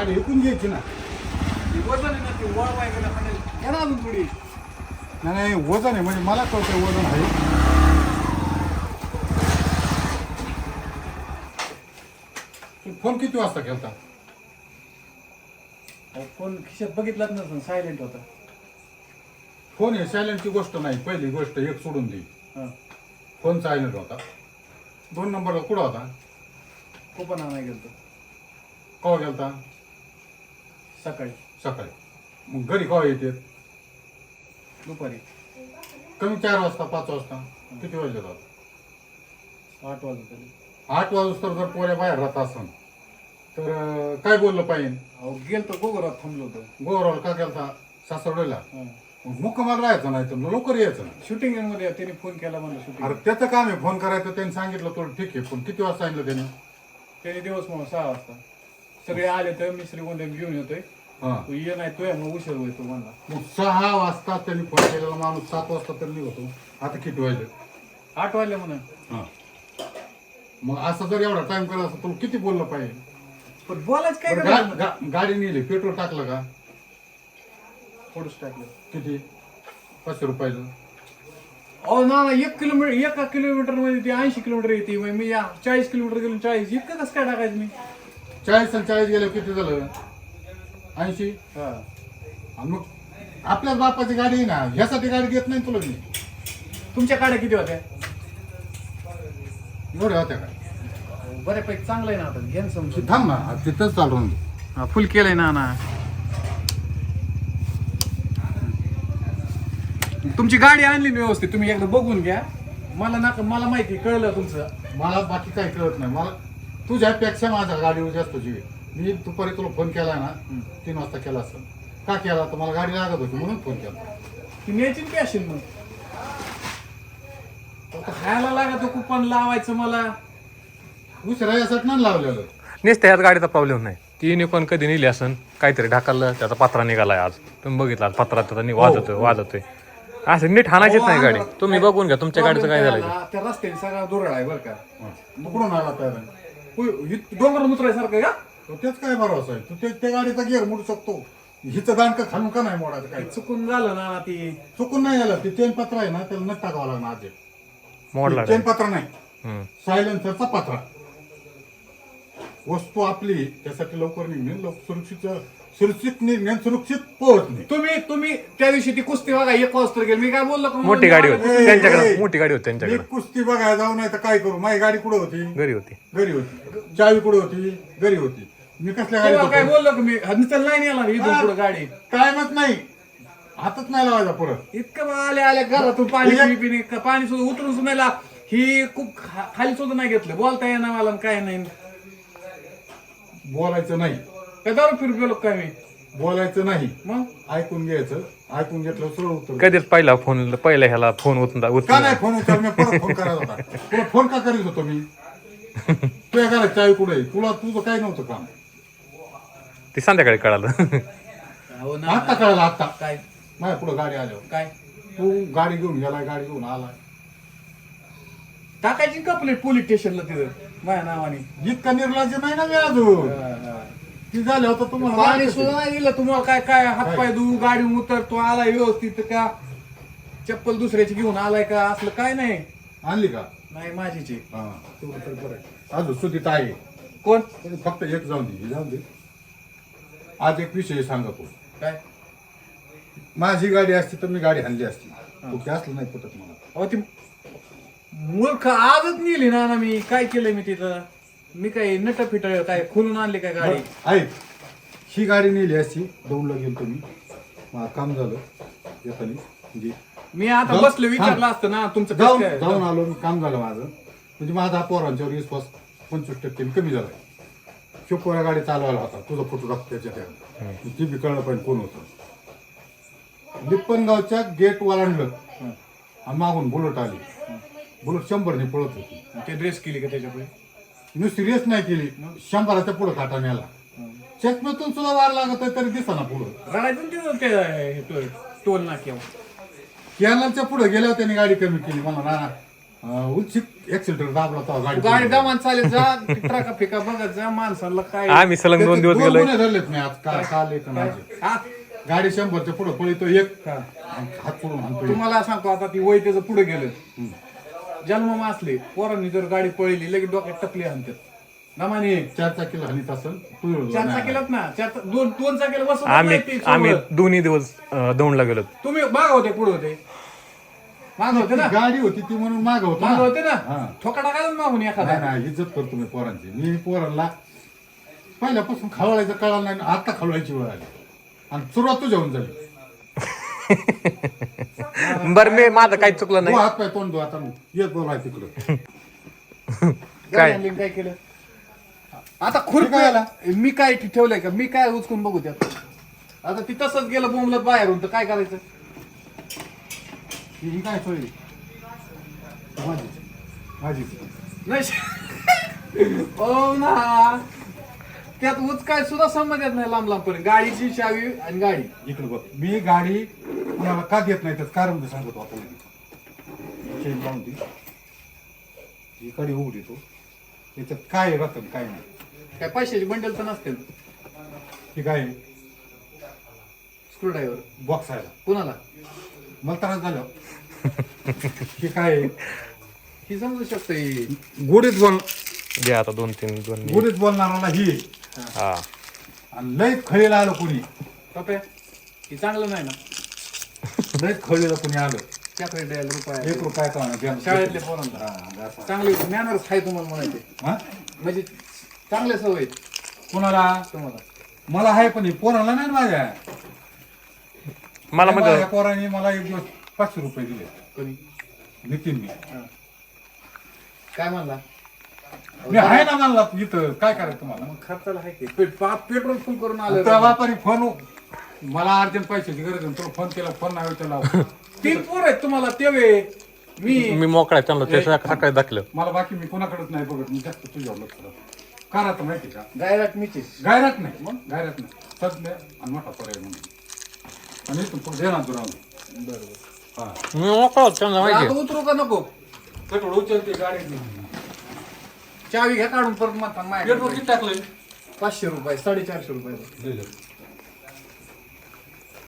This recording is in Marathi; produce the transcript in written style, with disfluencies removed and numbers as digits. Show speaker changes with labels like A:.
A: गाडी विकून घ्यायची ना.
B: वजन आहे ना ते वळवाय गेला घ्या ना अजून थोडी.
A: नाही वजन आहे म्हणजे मला कळतं वजन आहे. फोन किती वाजता केलता?
B: फोन खिशात बघितलाच नसतं, सायलेंट होता.
A: फोन हे सायलेंटची गोष्ट नाही. पहिली गोष्ट एक सोडून दे.
B: हां
A: फोन सायलेंट होता. 2 नंबरला कुठं होता?
B: कोपन आणाय गेलतो
A: केव्हा गेलता?
B: सकाळी.
A: सकाळी. मग घरी केव्हा येते?
B: दुपारी
A: कमी 4 वाजता 5 वाजता. किती वाजले जातात?
B: 8 वाजता.
A: 8 वाजता जर पोऱ्या बाहेर राहत असन तर काय बोललं पाहिजे?
B: अहो गेलतो गोगरात थांबलो होतो.
A: गोवराला का गेलता? सासवडीला.
B: हां
A: मुक्कामाला राहायचं नाही तर लवकर यायचं ना.
B: शूटिंग मध्ये त्याने फोन केला म्हणलं शूटिंग.
A: अरे त्याचं काम आहे फोन करायचं. त्यांनी सांगितलं तुला ठीक आहे पण किती वाजता सांगितलं त्याने?
B: त्याने दिवस म्हणून 6 वाजता. सगळे आले तर मी श्रीगोंद्यात घेऊन येतोय.
A: हां
B: तू ये नाही तू मग उशीर होईल तू म्हणला.
A: मग 6 वाजता त्यांनी फोन केलेला माणूस 7 वाजता तर निघतो. आता किती वाजले?
B: 8 वाजले म्हणून.
A: हां मग असं जर एवढा टाइम करायचं असं तुला किती बोललं पाहिजे?
B: पण बोलायच काय
A: बरं,
B: करायचं?
A: गाडी नेली पेट्रोल टाकलं का?
B: थोडंच टाकलं.
A: किती? 500 रुपयाचं.
B: अहो ना 1 किलोमीटर मध्ये ती 80 किलोमीटर येते. मग मी 40 किलोमीटर गेलो 40 इतकं कसं काय टाकायचं मी?
A: 40 आणि 40 गेलं किती झालं? 80.
B: हा
A: आणि मग आपल्याच बापाची गाडी आहे ना. ह्यासाठी गाडी घेत नाही तुला मी.
B: तुमच्या गाड्या किती होत्या?
A: एवढ्या होत्या का?
B: बऱ्यापैकी चांगलं आहे ना आता घेन समजून.
A: थांब ना तिथंच चालून दे.
B: फुल केलंय ना. तुमची गाडी आणली ना व्यवस्थित. तुम्ही एकदा बघून घ्या. मला माहिती कळलं तुमचं.
A: मला बाकी काही कळत नाही. मला तुझ्यापेक्षा माझ्या गाडीवर जास्त जीव आहे. मी दुपारी तुला फोन केला ना 3 वाजता केला असं का केला तर मला गाडी लागत होती म्हणून फोन केला.
B: ती न्यायची की असेल मग आता खायला लागत कुपन लावायचं मला.
A: दुसऱ्या यासाठी नाही लावलेलं.
C: नेसते ह्यात गाडीचा प्रॉब्लेम नाही. ती निकोन कधी नेली असन काहीतरी ढाकललं त्याचा पत्रा निघालाय आज. तुम्ही बघितला पत्रा त्याचा वाजतोय असं नीट हाणायचीच नाही गाडी. तुम्ही बघून घ्या तुमच्या गाडीचं काय झालं.
B: त्या रस्त्याने सगळा दुरळ आहे बरं का.
A: मग कुठून आला त्याला?
B: डोंगर मुत्रायसारखं का?
A: तेच काय भरोसा आहे? तू त्या गाडीचा गिअर मोडू शकतो. हिचं दांडकं खालून का नाही मोडायचं? काय
B: चुकून झालं ना ती.
A: चुकून नाही झालं. ते चेन पत्र आहे ना त्याला नट टाकावं लागणार आज.
C: मोडला
A: चेन पत्र नाही
C: हम्म.
A: सायलेन्सरचा पत्रा. वस्तू आपली त्यासाठी लवकर निघणे सुरक्षित निघणे सुरक्षित पोहोचणे.
B: तुम्ही त्या दिवशी ती कुस्ती बघा 1 वाजता गेली. मी काय बोललो का?
C: मोठी गाडी होती
A: ए,
C: त्यांच्याकडे.
A: ए,
C: मोठी गाडी होती
A: मी
C: त्यांच्याकडे.
A: कुस्ती बघायला जाऊ नाही तर काय करू? माझी गाडी कुठं होती?
C: घरी होती.
A: घरी होती. चावी कुठं होती? घरी होती. मी कसल्या
B: तेव्हा काय
A: गाडीत
B: बोललो का मी? चल नाही नेला इथून पुढे गाडी.
A: टायमच नाही. हातच नाही लावायचा परत.
B: इतकं आल्या घरातून पाणी पिणे पाणी सुद्धा उतरून सुद्धा नाही. ही खूप खाली सुद्धा नाही घेतलं. बोलता येणार मला काय नाही.
A: बोलायचं नाही.
B: काय दारू फिरू गेलो काय मी?
A: बोलायचं नाही.
B: मग
A: ऐकून घ्यायचं. ऐकून घेतलं सरळ उत्तर.
C: कधीच पहिला ह्याला फोन
A: का नाही फोन उचल? मी परत फोन करायचा होता. तुला फोन का करीत होतो मी? तुझ्या घरात चावी कुठे? तुला तुझं काय नव्हतं काम?
C: ते संध्याकाळी कळालं.
B: हो ना.
A: आत्ता कळालं आत्ता.
B: काय
A: माझ्या पुढे गाडी आल्यावर
B: काय
A: तू गाडी घेऊन गेलाय गाडी घेऊन आलाय.
B: टाकायची का प्लेट पोलीस स्टेशनला तिथं माझ्या नावाने?
A: इतका निर्लज्ज नाही ना मी अजून. ती झालं होतं तुम्हाला
B: पाणी सुद्धा नाही दिलं तुम्हाला. काय काय हातपाय धुवू गाडी उतर तो आलाय व्यवस्थित का? चप्पल दुसऱ्याची घेऊन आलाय का? असलं काय नाही.
A: आणली का?
B: नाही माझीची.
A: हा तेवढं तर बरं आहे. अजून सुधीत आहे.
B: कोण?
A: फक्त एक जाऊन दे. जाऊन दे. आज एक विषय सांगतो.
B: काय?
A: माझी गाडी असती तर मी गाडी आणली असती. तू ते असलं नाही पटत मला.
B: अहो ती मूर्ख आजच नेली ना मी. काय केलंय मी तिथं? मी काय नट फिट काय खोलून आणली काय गाडी?
A: ऐक ही गाडी नेली असती दौडला गेलो तुम्ही. मला काम झालं येतानी म्हणजे
B: मी आता बसलो विचारलं असतं ना तुमचं कसं
A: जाऊन
B: काय?
A: जाऊन आलो. काम झालं माझं. म्हणजे माझा पोरांच्यावर विश्वास 25% कमी झालाय. शिवपोरा गाडी चालवायला होता. तुझा फोटो टाकतो त्याच्यात. ती बी कळलं पाहिजे कोण होतं. लिप्पनगावच्या गेट ओलांडलं आणि मागून बुलेट आली. बुलेट 100ने पळत होती.
B: ते ड्रेस केली का त्याच्यापुढे?
A: मी सिरियस नाही केली. 100च्या पुढे काटा नेला. चष्म्यातून सुद्धा वार लागत आहे तरी दिसा ना पुढं.
B: रडायचं ते टोल नाक्यावर.
A: कॅनलच्या पुढे गेल्यावर त्यांनी गाडी कमी केली. मला ना उलचित एक्सिलेटर दाबला तो
B: गाडी
A: गाडी
B: दमान चालेल जा ट्रका फिका बघत जा माणसाला काय
C: आम्ही सलग 2 दिवस गेलोय
A: गुन्हे धरलेत मी आज काल एक माझे
B: हा?
A: गाडी 100च्या पुढे पळतो एक
B: हा.
A: हात पडून हाणतो
B: तुम्हाला सांगतो आता ती वय त्याचं पुढे गेलं जन्म असले पोरांनी जर गाडी पळली लगेच डोक्यात टकली आणतात नमाने
A: 4 चाकीला हानीत असेल
B: चार चाकीलाच ना दोन चाकीला बसून
C: आम्ही दोन्ही दिवस दौंडला गेलो
B: तुम्ही माग होते पुढे होते माग होते ना
A: गाडी होती ती म्हणून माग होतो
B: माग होते
A: हा.
B: ना ठोका टाकायला मागून एखादा
A: नाही इज्जत करतो मी पोरांची मी पोरांना पहिल्यापासून खवळायचं कळालं नाही आता खवळायची वेळ आली आणि सुरुवात तुझ्या होऊन झाली
C: बरं मी माझं काही चुकलं नाही
A: हात पाय तोंड दो आता येत बोलाय तिकडं
B: काय आणली आणि काय केलं आता खुर्प
A: काय आला?
B: मी काय ठेवलंय का मी काय उचकून बघू त्यात आता ती तसंच गेलं बोंबलत बाहेरून तर काय करायचं
A: ही काय सोय माझी
B: नाही ओ ना त्यात उचकाय सुद्धा संबंध येत नाही लांब लांबपर्यंत गाडीची चावी आणि गाडी
A: इकडे बघ मी गाडी कुणाला का देत नाही त्यात कारण मी सांगतो आपण चेन लावून ती ही गाडी उघडी तो त्याच्यात काय रक्कम काय नाही
B: काय पैशाची बंडल तर नसते
A: ही काय
B: स्क्रू ड्रायव्हर
A: बॉक्स आहे
B: कुणाला
A: मला त्रास झालं ही काय
B: ही समजू शकते
A: गोडीत बोल
C: दे आता 2-3
A: गोडीत बोलणाराला ही
C: हा
A: आणि लय खळीला आलं कोणी
B: कप्या ही चांगलं नाही ना
A: लय खळीला कोणी आलं
B: त्याकडे द्यायला रुपये
A: 1 रुपया का होईना,
B: शाळेतले पोरांना
A: हा, असं.
B: चांगले मॅनर्स आहे तुम्हाला म्हणायचे
A: हा?
B: म्हणजे चांगले सवय आहेत
A: कोणाला
B: तुम्हाला
A: मला आहे पण हे पोराला नाही ना माझ्या
C: मला म्हणजे
A: माझ्या पोराने मला एक दिवस 500 रुपये दिले
B: कोणी
A: नितीन मी
B: काय म्हणला
A: मी आहे ना मला इथं काय करायचं तुम्हाला
B: मग खर्चाला आहे की पेट्रोल फुल करून
A: त्या
B: आलं
A: व्यापारी फोन मला अर्जंट पैशाची गरज आहे तुला फोन केला फोन नाही त्याला
B: 3 पोर आहेत तुम्हाला तेवे
C: मी मोकळा आहे, त्यांना ते सकाळी दाखलं
A: मला बाकी मी कोणाकडेच नाही बघत मी जास्त तुझ्यावर लक्ष देतो. का राहतं माहिती का
B: गायरात मीची
A: गायरात नाही मग गायरात नाही सध्या आणि मोठा पर्याय म्हणून आणि तू पुढे देणार तुला
B: बरोबर
A: हा
C: मी मोकळा होतो, त्यांना माहिती
B: आता उतरू का नको
A: पेट्रोल उचलते गाडी
B: चावी घ्या काढून परत म्हणता
A: पेट्रोल किती टाकलंय
B: 500 रुपये 450 रुपये